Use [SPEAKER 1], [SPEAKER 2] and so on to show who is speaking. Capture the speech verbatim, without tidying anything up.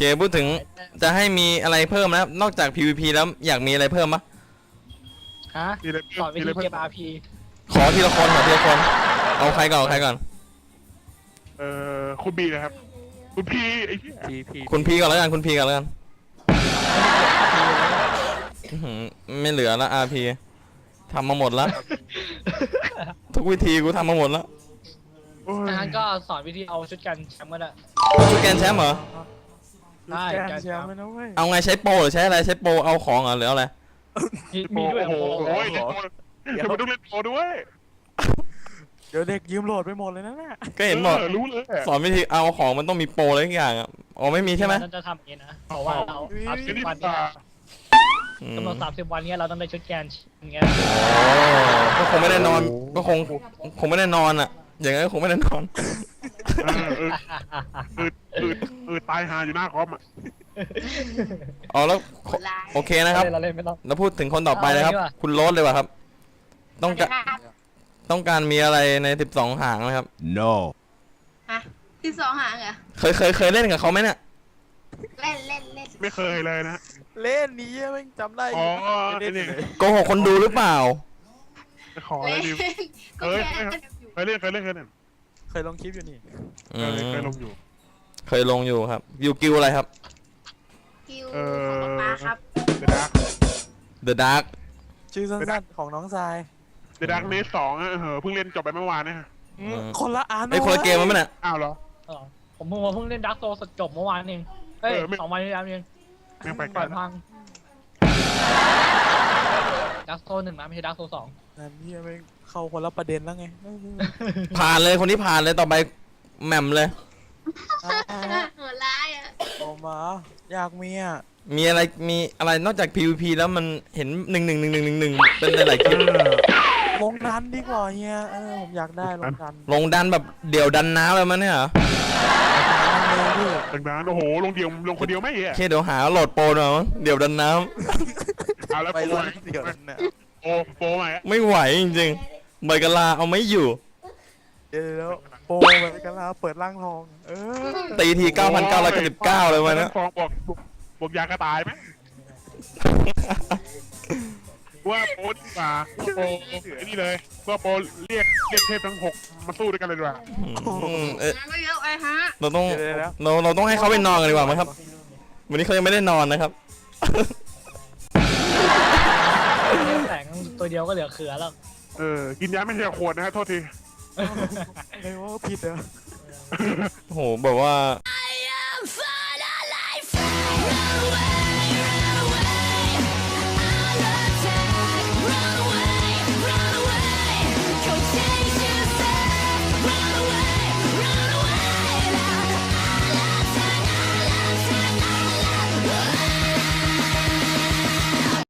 [SPEAKER 1] พูดถึงจะให้มีอะไรเพิ่มนะนอกจาก พี วี พี แล้วอยากมีอะไรเพิ่มปะ
[SPEAKER 2] ฮะสอนวิธีเก็บ อาร์ พี
[SPEAKER 1] ขอทีละคนขอทีละคนเอาใครก่อนเอาใครก่อน
[SPEAKER 3] เอ่อคุณบีนะครับคุณพีไอ้เหี้ย
[SPEAKER 4] พีพี
[SPEAKER 1] คุณพีก่อนแล้วกันคุณพีก่อนแล้วกันอื้อหือไม่เหลือละ อาร์ พี ทำมาหมดแล้วทุกวิธีกูทำมาหมดแล้ว
[SPEAKER 3] โอ้ย
[SPEAKER 2] ดังนั้นก็สอนวิธีเอาชุดกันแชมป์ก็ได้
[SPEAKER 1] ชุดแกนแชมป์เหรอ
[SPEAKER 2] ได้
[SPEAKER 4] แก
[SPEAKER 2] กัน
[SPEAKER 4] นแชมป์เลยนะเว้ย
[SPEAKER 1] เอาไงใช้โปรหรือใช้อะไรใช้โปรเอาของเหรอหรืออะไร
[SPEAKER 2] มีมีด้วย
[SPEAKER 3] โอ้โห
[SPEAKER 2] โอ้โห
[SPEAKER 3] โอ้ยเดี๋ยวมันต้องเล่นโปรด้วย
[SPEAKER 4] เดี๋ยวเด็กยืมโหลดไปหมดเลยนะเนี่ย
[SPEAKER 1] ก็เห็นบอก
[SPEAKER 3] รู้เลย
[SPEAKER 1] สอนวิธีเอาของมันต้องมีโปรอะไรทุกอย่างอ่ะอ๋อไม่มีใช่ไหม
[SPEAKER 2] เราจะทำอย่างนี้นะเพราะว่าเราสามสิบวัน
[SPEAKER 3] ตา
[SPEAKER 2] เนี่ยกำหนดสามสิบวันเนี้ยเราต้องได้ชุดแกนอย่างเงี้ย
[SPEAKER 1] โอ้ก็คงไม่ได้นอนก็คงคงไม่ได้นอนอ่ะ อย่างนั้นก็คงไม่ได้นอน
[SPEAKER 3] เออเอออืดอืดอืดตายหาอยู่หน้าคอมอ่ะ
[SPEAKER 1] อ๋อแล้วโอเคนะครับ
[SPEAKER 2] เราเล่นไม่ต้อง
[SPEAKER 1] แล้วพูดถึงคนต่อไปนะครับ
[SPEAKER 2] เอาเลยดีกว่า
[SPEAKER 1] คุณโรสเลยว่ะครับ ต้องการต้องการมีอะไรในสิบสองหางนะครับ
[SPEAKER 5] no
[SPEAKER 6] ฮะที่สองหางเหรอ
[SPEAKER 1] เคยเคยเคยเล่นกับเขาไหมเนี่ย
[SPEAKER 6] เล่นเล่นเล่น
[SPEAKER 3] ไม่เคยเลยนะ
[SPEAKER 4] เล่นนี้แม่งจำได้
[SPEAKER 3] อ๋อ
[SPEAKER 4] ไม่
[SPEAKER 3] ไอ้
[SPEAKER 4] ได้
[SPEAKER 3] นี่
[SPEAKER 4] เลย
[SPEAKER 1] โกหกคนดูหรือเปล่า
[SPEAKER 3] ขออะไร
[SPEAKER 6] เล่น
[SPEAKER 3] ดิ
[SPEAKER 6] ก็แค่อยู่
[SPEAKER 3] เคยเล่นเคยเล่นเคยเล่น
[SPEAKER 4] เคยลงคลิปอยู่นี่
[SPEAKER 1] อื
[SPEAKER 3] เค
[SPEAKER 1] ม
[SPEAKER 3] ยเคยลงอยู่
[SPEAKER 1] เคยลงอยู่ครับยูกิวอะไรครับ
[SPEAKER 6] คิว
[SPEAKER 3] เออ
[SPEAKER 6] ของป๊าครับ
[SPEAKER 3] เดอะดาร์ก
[SPEAKER 1] The Dark
[SPEAKER 4] ชื่อสั้นๆของน้องทราย
[SPEAKER 3] เดอะดาร์กเนสสองอ่ะเออเพิ่งเล่นจบไปเมื่อวานเนี่ย
[SPEAKER 1] อืม
[SPEAKER 4] คนละอัน
[SPEAKER 1] ไอ้ยคนละเกมมั้ยเนี่ย
[SPEAKER 3] อ้าวเหรอ
[SPEAKER 2] เออผมเพิ่งเพิ่งเล่นดักโซสดจบเมื่อวานเองเฮ้ย
[SPEAKER 3] เออไม่
[SPEAKER 2] สองวันที่แล้วเอง
[SPEAKER 3] แม่งไปไก
[SPEAKER 2] ป
[SPEAKER 3] ล
[SPEAKER 2] ล่อย
[SPEAKER 3] นะ
[SPEAKER 2] พังดักโซหนึ่งนะไม่ใช่ดักโซสอง
[SPEAKER 4] นั่นนี่แม่งเข้าคนละประเด็นแล้วไง
[SPEAKER 1] ผ่านเลยคนที่ผ่านเลยต่อไปแหม่มเลย
[SPEAKER 6] หัวร้ายอ่ะ
[SPEAKER 4] โอ้มาอยากมีอ่ะ
[SPEAKER 1] มีอะไรมีอะไรนอกจาก พี วี พี แล้วมันเห็นหนึ่งหนึ่งหนึ่งหนึ่งหนึ่งหนึ่งเป็นหลายๆคลิป
[SPEAKER 4] ลงดันดีกว่าเฮียเออผมอยากได้ลงดัน
[SPEAKER 1] ลงดันแบบเดี่ยวดันน้ำเลยมั้ยเนี่ยเหรอ
[SPEAKER 4] เลยพี่
[SPEAKER 3] ดังนั้นโอ้โหลงเดียวลงคนเดียวไม่เหร
[SPEAKER 1] โอ
[SPEAKER 3] อ
[SPEAKER 1] เคเดี๋ยวหาโหลดโปรหน่อยมั้งเดี่ยวดันน้
[SPEAKER 3] เอาแล้ว
[SPEAKER 4] ไป
[SPEAKER 3] โปร
[SPEAKER 4] ลงเดี๋ยวนั้นเนี่ย
[SPEAKER 3] โปรโปรใหม่
[SPEAKER 1] ำไม่ไหวจริงๆใบกะลาเอาไม่อยู่
[SPEAKER 4] เดี๋ยวแล้วโปรไปกันแล้วเปิดร่างทอง เออ
[SPEAKER 1] ตีทีเก้าพันเก้าร้อยเก้าสิบเก้าเลยวันนี้
[SPEAKER 3] ฟองบอกบอกยากระต่ายไหมว่าโปรดีกว่าว่าโปรไอ้นี่เลยว่าโปรเรียกเรียกเทพทั้งหกมาสู้ด้วยกันเลยดีกว่า
[SPEAKER 1] อืมเอ๊ะ
[SPEAKER 6] งั้นก็เยอะไปฮะ
[SPEAKER 1] เราต้อง
[SPEAKER 4] เดี๋ยวแล้ว
[SPEAKER 1] เราเราต้องให้เขาไปนอนกันดีกว่าไหมครับ วันนี้เขายังไม่ได้นอนนะครับ
[SPEAKER 2] แสงตัวเดียวก็เหลือเขือแล้ว
[SPEAKER 3] เออกินยาไม่ใช่ขวดนะฮะโทษที
[SPEAKER 4] เลยว่าผิดเหรอ
[SPEAKER 1] โอ้โหแบบว่า